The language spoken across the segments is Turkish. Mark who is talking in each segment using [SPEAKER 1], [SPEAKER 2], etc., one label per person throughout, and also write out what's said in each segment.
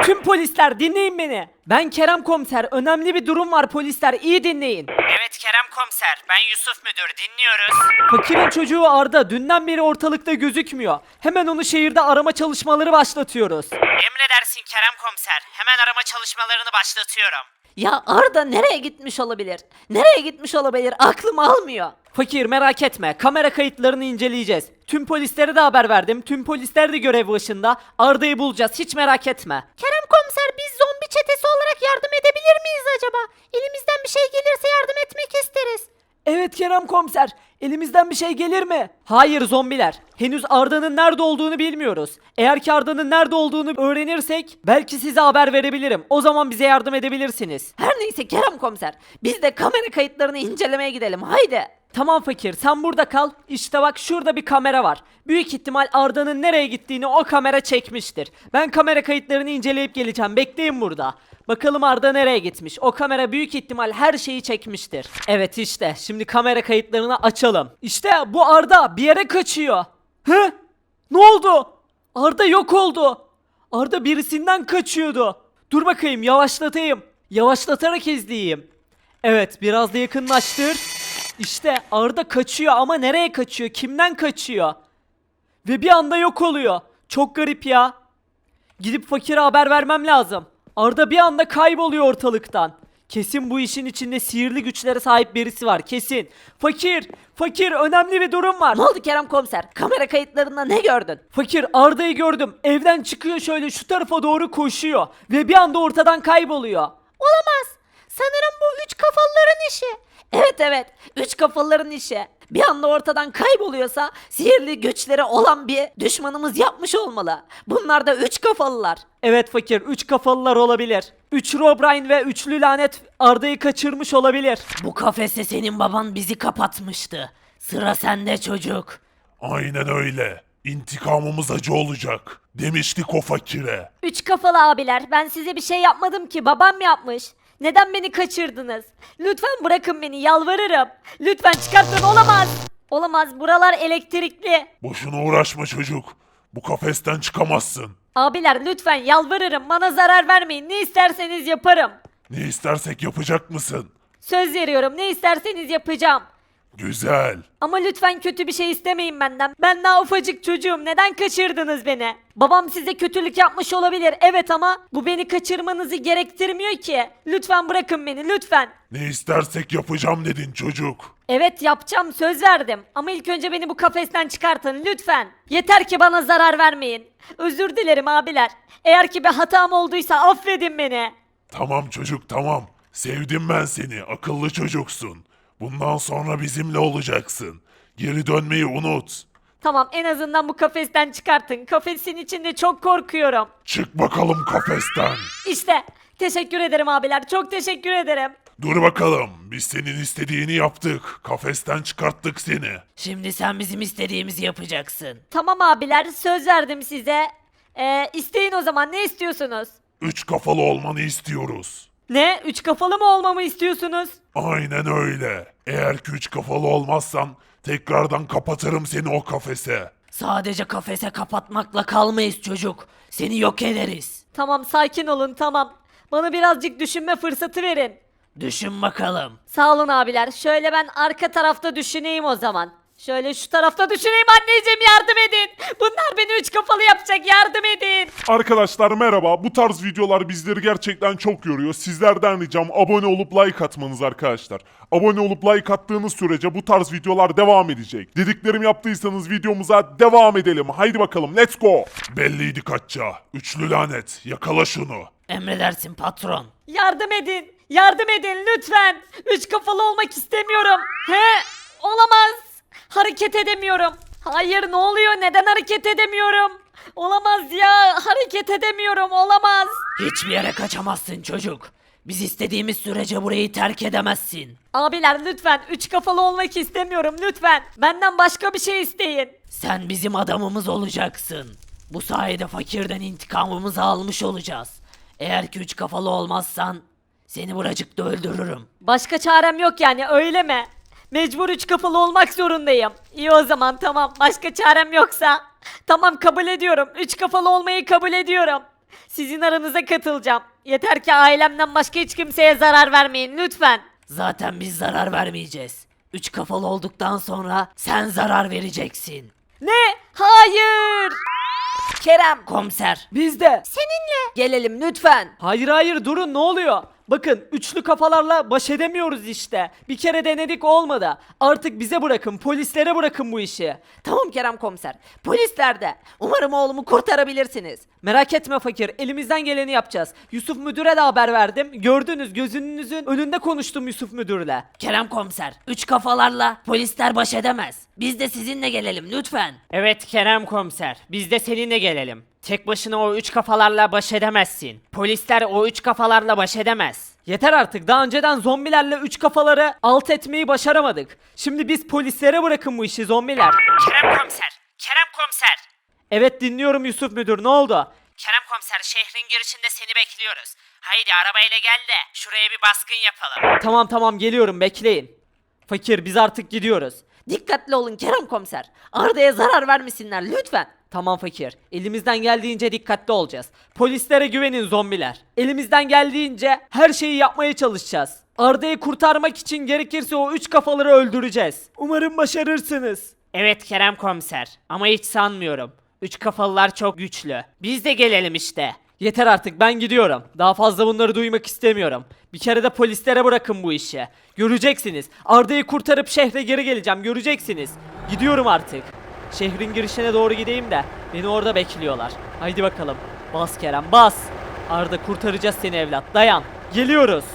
[SPEAKER 1] Tüm polisler dinleyin beni. Ben Kerem Komiser. Önemli bir durum var polisler. İyi dinleyin.
[SPEAKER 2] Evet Kerem Komiser, ben Yusuf Müdür, dinliyoruz.
[SPEAKER 1] Fakirin çocuğu Arda dünden beri ortalıkta gözükmüyor. Hemen onu şehirde arama çalışmaları başlatıyoruz.
[SPEAKER 2] Emredersin Kerem Komiser, hemen arama çalışmalarını başlatıyorum.
[SPEAKER 3] Ya Arda nereye gitmiş olabilir? Nereye gitmiş olabilir? Aklım almıyor.
[SPEAKER 1] Fakir merak etme. Kamera kayıtlarını inceleyeceğiz. Tüm polislere de haber verdim. Tüm polisler de görev başında. Arda'yı bulacağız. Hiç merak etme.
[SPEAKER 3] Kerem komiser biz zombi çetesi olarak yardım edebilir miyiz acaba? Elimizden bir şey gelirse yardım etmek isteriz.
[SPEAKER 1] Evet Kerem Komiser. Elimizden bir şey gelir mi? Hayır zombiler. Henüz Arda'nın nerede olduğunu bilmiyoruz. Eğer ki Arda'nın nerede olduğunu öğrenirsek belki size haber verebilirim. O zaman bize yardım edebilirsiniz.
[SPEAKER 3] Her neyse Kerem komiser biz de kamera kayıtlarını incelemeye gidelim haydi.
[SPEAKER 1] Tamam fakir sen burada kal. İşte bak şurada bir kamera var. Büyük ihtimal Arda'nın nereye gittiğini o kamera çekmiştir. Ben kamera kayıtlarını inceleyip geleceğim. Bekleyin burada. Bakalım Arda nereye gitmiş. O kamera büyük ihtimal her şeyi çekmiştir. Evet işte şimdi kamera kayıtlarını açalım. İşte bu Arda bir yere kaçıyor. Hı? Ne oldu? Arda yok oldu. Arda birisinden kaçıyordu. Dur bakayım yavaşlatayım. Yavaşlatarak izleyeyim. Evet biraz da yakınlaştır. İşte Arda kaçıyor ama nereye kaçıyor? Kimden kaçıyor? Ve bir anda yok oluyor. Çok garip ya. Gidip fakire haber vermem lazım. Arda bir anda kayboluyor ortalıktan. Kesin bu işin içinde sihirli güçlere sahip birisi var kesin. Fakir önemli bir durum var.
[SPEAKER 3] Ne oldu Kerem komiser? Kamera kayıtlarında ne gördün?
[SPEAKER 1] Fakir Arda'yı gördüm. Evden çıkıyor şöyle şu tarafa doğru koşuyor. Ve bir anda ortadan kayboluyor.
[SPEAKER 3] Olamaz. Sanırım bu üç kafalıların işi. Evet üç kafalıların işi. Bir anda ortadan kayboluyorsa sihirli güçleri olan bir düşmanımız yapmış olmalı. Bunlar da üç kafalılar.
[SPEAKER 1] Evet fakir, üç kafalılar olabilir. Üç Robrine ve üçlü lanet Arda'yı kaçırmış olabilir.
[SPEAKER 3] Bu kafese senin baban bizi kapatmıştı. Sıra sende çocuk.
[SPEAKER 4] Aynen öyle. İntikamımız acı olacak. Demiştik o fakire.
[SPEAKER 5] Üç kafalı abiler, ben size bir şey yapmadım ki, babam yapmış. Neden beni kaçırdınız? Lütfen bırakın beni, yalvarırım. Lütfen çıkartın, olamaz. Olamaz, buralar elektrikli.
[SPEAKER 4] Boşuna uğraşma çocuk. Bu kafesten çıkamazsın.
[SPEAKER 5] Abiler lütfen yalvarırım, bana zarar vermeyin. Ne isterseniz yaparım.
[SPEAKER 4] Ne istersek yapacak mısın?
[SPEAKER 5] Söz veriyorum, ne isterseniz yapacağım.
[SPEAKER 4] Güzel.
[SPEAKER 5] Ama lütfen kötü bir şey istemeyin benden. Ben daha ufacık çocuğum. Neden kaçırdınız beni? Babam size kötülük yapmış olabilir. Evet ama bu beni kaçırmanızı gerektirmiyor ki. Lütfen bırakın beni lütfen.
[SPEAKER 4] Ne istersek yapacağım dedin çocuk.
[SPEAKER 5] Evet yapacağım, söz verdim. Ama ilk önce beni bu kafesten çıkartın lütfen. Yeter ki bana zarar vermeyin. Özür dilerim abiler. Eğer ki bir hatam olduysa affedin beni.
[SPEAKER 4] Tamam çocuk tamam. Sevdim ben seni. Akıllı çocuksun. Bundan sonra bizimle olacaksın. Geri dönmeyi unut.
[SPEAKER 5] Tamam, en azından bu kafesten çıkartın. Kafesin içinde çok korkuyorum.
[SPEAKER 4] Çık bakalım kafesten.
[SPEAKER 5] İşte teşekkür ederim abiler. Çok teşekkür ederim.
[SPEAKER 4] Dur bakalım. Biz senin istediğini yaptık. Kafesten çıkarttık seni.
[SPEAKER 3] Şimdi sen bizim istediğimizi yapacaksın.
[SPEAKER 5] Tamam abiler, söz verdim size. İsteyin o zaman, ne istiyorsunuz?
[SPEAKER 4] Üç kafalı olmanı istiyoruz.
[SPEAKER 5] Ne? Üç kafalı mı olmamı istiyorsunuz?
[SPEAKER 4] Aynen öyle. Eğer ki üç kafalı olmazsan tekrardan kapatırım seni o kafese.
[SPEAKER 3] Sadece kafese kapatmakla kalmayız çocuk. Seni yok ederiz.
[SPEAKER 5] Tamam, sakin olun, tamam. Bana birazcık düşünme fırsatı verin.
[SPEAKER 3] Düşün bakalım.
[SPEAKER 5] Sağ olun abiler. Şöyle ben arka tarafta düşüneyim o zaman. Şöyle şu tarafta düşüneyim, anneciğim yardım edin. Bunlar beni üç kafalı yapacak, yardım edin.
[SPEAKER 6] Arkadaşlar merhaba. Bu tarz videolar bizleri gerçekten çok yoruyor. Sizlerden ricam abone olup like atmanız arkadaşlar. Abone olup like attığınız sürece bu tarz videolar devam edecek. Dediklerimi yaptıysanız videomuza devam edelim. Haydi bakalım let's go.
[SPEAKER 4] Belliydi kaçça. Üçlü lanet. Yakala şunu.
[SPEAKER 3] Emredersin patron.
[SPEAKER 5] Yardım edin. Yardım edin lütfen. Üç kafalı olmak istemiyorum. Olamaz. Hareket edemiyorum. Hayır, ne oluyor? Neden hareket edemiyorum? Olamaz ya. Hareket edemiyorum. Olamaz.
[SPEAKER 3] Hiçbir yere kaçamazsın çocuk. Biz istediğimiz sürece burayı terk edemezsin.
[SPEAKER 5] Abiler lütfen, üç kafalı olmak istemiyorum lütfen. Benden başka bir şey isteyin.
[SPEAKER 3] Sen bizim adamımız olacaksın. Bu sayede fakirden intikamımızı almış olacağız. Eğer ki üç kafalı olmazsan seni buracıkta öldürürüm.
[SPEAKER 5] Başka çarem yok yani, öyle mi? Mecbur üç kafalı olmak zorundayım. İyi o zaman, tamam, başka çarem yoksa. Tamam, kabul ediyorum. Üç kafalı olmayı kabul ediyorum. Sizin aranıza katılacağım. Yeter ki ailemden başka hiç kimseye zarar vermeyin lütfen.
[SPEAKER 3] Zaten biz zarar vermeyeceğiz. 3 kafalı olduktan sonra sen zarar vereceksin.
[SPEAKER 5] Ne? Hayır.
[SPEAKER 3] Kerem komiser.
[SPEAKER 1] Biz de.
[SPEAKER 3] Seninle. Gelelim lütfen.
[SPEAKER 1] Hayır hayır durun ne oluyor? Bakın üçlü kafalarla baş edemiyoruz işte. Bir kere denedik olmadı. Artık bize bırakın, polislere bırakın bu işi.
[SPEAKER 3] Tamam Kerem komiser. Polisler de. Umarım oğlumu kurtarabilirsiniz.
[SPEAKER 1] Merak etme fakir, elimizden geleni yapacağız. Yusuf müdüre de haber verdim. Gördünüz, gözünüzün önünde konuştum Yusuf müdürle.
[SPEAKER 3] Kerem komiser. 3 kafalarla polisler baş edemez. Biz de sizinle gelelim lütfen.
[SPEAKER 2] Evet Kerem komiser, biz de seninle gelelim. Tek başına o üç kafalarla baş edemezsin. Polisler o üç kafalarla baş edemez.
[SPEAKER 1] Yeter artık, daha önceden zombilerle üç kafaları alt etmeyi başaramadık. Şimdi biz polislere bırakın bu işi zombiler.
[SPEAKER 2] Kerem komiser, Kerem komiser.
[SPEAKER 1] Evet dinliyorum Yusuf müdür, ne oldu?
[SPEAKER 2] Kerem komiser, şehrin girişinde seni bekliyoruz. Haydi arabayla gel de şuraya bir baskın yapalım.
[SPEAKER 1] Tamam tamam geliyorum, bekleyin. Fakir biz artık gidiyoruz.
[SPEAKER 3] Dikkatli olun Kerem komiser. Arda'ya zarar vermesinler lütfen.
[SPEAKER 1] Tamam fakir. Elimizden geldiğince dikkatli olacağız. Polislere güvenin zombiler. Elimizden geldiğince her şeyi yapmaya çalışacağız. Arda'yı kurtarmak için gerekirse o üç kafaları öldüreceğiz. Umarım başarırsınız.
[SPEAKER 2] Evet Kerem komiser, ama hiç sanmıyorum. Üç kafalılar çok güçlü. Biz de gelelim işte.
[SPEAKER 1] Yeter artık, ben gidiyorum. Daha fazla bunları duymak istemiyorum. Bir kere de polislere bırakın bu işi. Göreceksiniz. Arda'yı kurtarıp şehre geri geleceğim, göreceksiniz. Gidiyorum artık. Şehrin girişine doğru gideyim de beni orada bekliyorlar. Haydi bakalım. Bas Kerem bas. Arda kurtaracağız seni evlat. Dayan. Geliyoruz.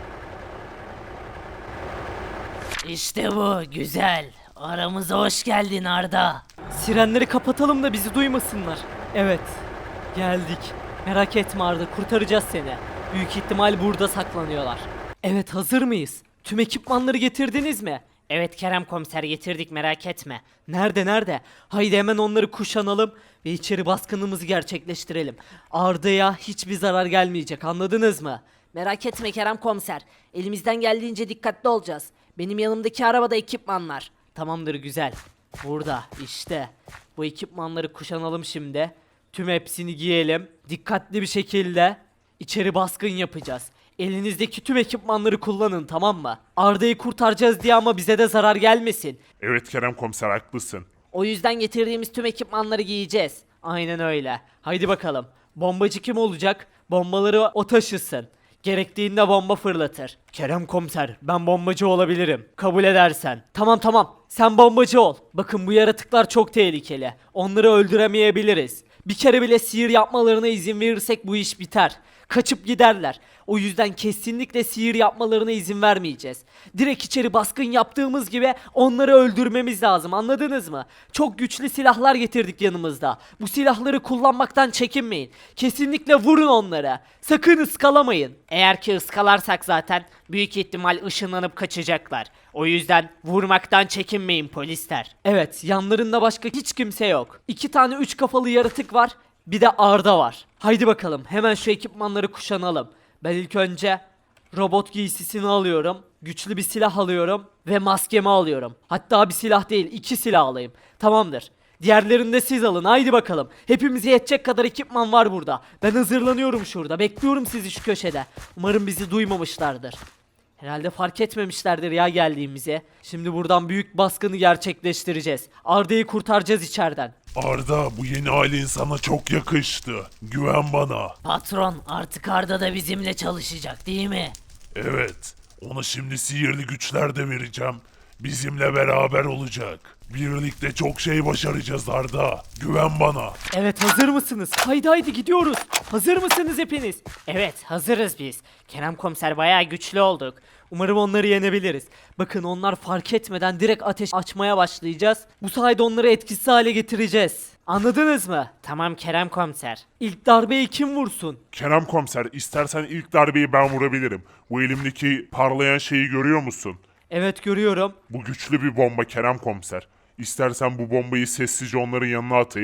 [SPEAKER 3] İşte bu güzel. Aramıza hoş geldin Arda.
[SPEAKER 1] Sirenleri kapatalım da bizi duymasınlar. Evet. Geldik. Merak etme Arda, kurtaracağız seni. Büyük ihtimal burada saklanıyorlar. Evet, hazır mıyız? Tüm ekipmanları getirdiniz mi?
[SPEAKER 2] Evet Kerem komiser, getirdik, merak etme.
[SPEAKER 1] Nerede? Haydi hemen onları kuşanalım ve içeri baskınımızı gerçekleştirelim. Arda'ya hiçbir zarar gelmeyecek, anladınız mı?
[SPEAKER 3] Merak etme Kerem komiser. Elimizden geldiğince dikkatli olacağız. Benim yanımdaki arabada ekipmanlar.
[SPEAKER 1] Tamamdır, güzel. Burada işte. Bu ekipmanları kuşanalım şimdi. Tüm hepsini giyelim. Dikkatli bir şekilde içeri baskın yapacağız. Elinizdeki tüm ekipmanları kullanın, tamam mı? Arda'yı kurtaracağız diye ama bize de zarar gelmesin.
[SPEAKER 6] Evet Kerem komiser haklısın.
[SPEAKER 3] O yüzden getirdiğimiz tüm ekipmanları giyeceğiz.
[SPEAKER 1] Aynen öyle. Haydi bakalım. Bombacı kim olacak? Bombaları o taşısın. Gerektiğinde bomba fırlatır. Kerem komiser, ben bombacı olabilirim. Kabul edersen. Tamam tamam. Sen bombacı ol. Bakın bu yaratıklar çok tehlikeli. Onları öldüremeyebiliriz. Bir kere bile sihir yapmalarına izin verirsek bu iş biter. Kaçıp giderler. O yüzden kesinlikle sihir yapmalarına izin vermeyeceğiz. Direkt içeri baskın yaptığımız gibi onları öldürmemiz lazım, anladınız mı? Çok güçlü silahlar getirdik yanımızda. Bu silahları kullanmaktan çekinmeyin. Kesinlikle vurun onları. Sakın ıskalamayın.
[SPEAKER 2] Eğer ki ıskalarsak zaten büyük ihtimal ışınlanıp kaçacaklar. O yüzden vurmaktan çekinmeyin polisler.
[SPEAKER 1] Evet, yanlarında başka hiç kimse yok. 2 tane 3 kafalı yaratık var. Bir de Arda var. Haydi bakalım hemen şu ekipmanları kuşanalım. Ben ilk önce robot giysisini alıyorum. Güçlü bir silah alıyorum. Ve maskemi alıyorum. Hatta bir silah değil, 2 silah alayım. Tamamdır. Diğerlerini de siz alın, haydi bakalım. Hepimize yetecek kadar ekipman var burada. Ben hazırlanıyorum şurada. Bekliyorum sizi şu köşede. Umarım bizi duymamışlardır. Herhalde fark etmemişlerdir ya geldiğimizi. Şimdi buradan büyük baskını gerçekleştireceğiz. Arda'yı kurtaracağız içeriden.
[SPEAKER 4] Arda, bu yeni halin sana çok yakıştı. Güven bana.
[SPEAKER 3] Patron artık Arda da bizimle çalışacak değil mi?
[SPEAKER 4] Evet, ona şimdi sihirli güçler de vereceğim. Bizimle beraber olacak. Birlikte çok şey başaracağız Arda. Güven bana.
[SPEAKER 1] Evet, hazır mısınız? Haydi haydi gidiyoruz. Hazır mısınız hepiniz?
[SPEAKER 2] Evet, hazırız biz. Kerem komiser, bayağı güçlü olduk.
[SPEAKER 1] Umarım onları yenebiliriz. Bakın onlar fark etmeden direkt ateş açmaya başlayacağız. Bu sayede onları etkisiz hale getireceğiz. Anladınız mı?
[SPEAKER 2] Tamam Kerem komiser.
[SPEAKER 1] İlk darbeyi kim vursun?
[SPEAKER 6] Kerem komiser istersen ilk darbeyi ben vurabilirim. Bu elimdeki parlayan şeyi görüyor musun?
[SPEAKER 1] Evet görüyorum.
[SPEAKER 6] Bu güçlü bir bomba Kerem komiser. İstersen bu bombayı sessizce onların yanına atayım.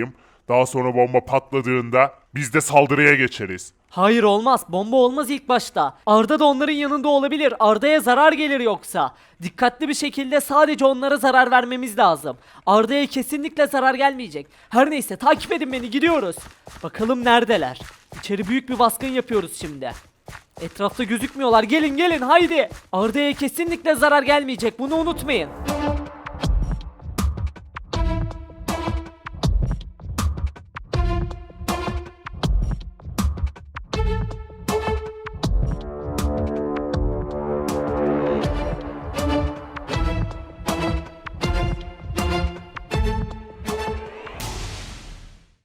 [SPEAKER 6] Daha sonra bomba patladığında biz de saldırıya geçeriz.
[SPEAKER 1] Hayır olmaz. Bomba olmaz ilk başta. Arda da onların yanında olabilir. Arda'ya zarar gelir yoksa. Dikkatli bir şekilde sadece onlara zarar vermemiz lazım. Arda'ya kesinlikle zarar gelmeyecek. Her neyse takip edin beni, gidiyoruz. Bakalım neredeler. İçeri büyük bir baskın yapıyoruz şimdi. Etrafta gözükmüyorlar. Gelin gelin haydi. Arda'ya kesinlikle zarar gelmeyecek. Bunu unutmayın.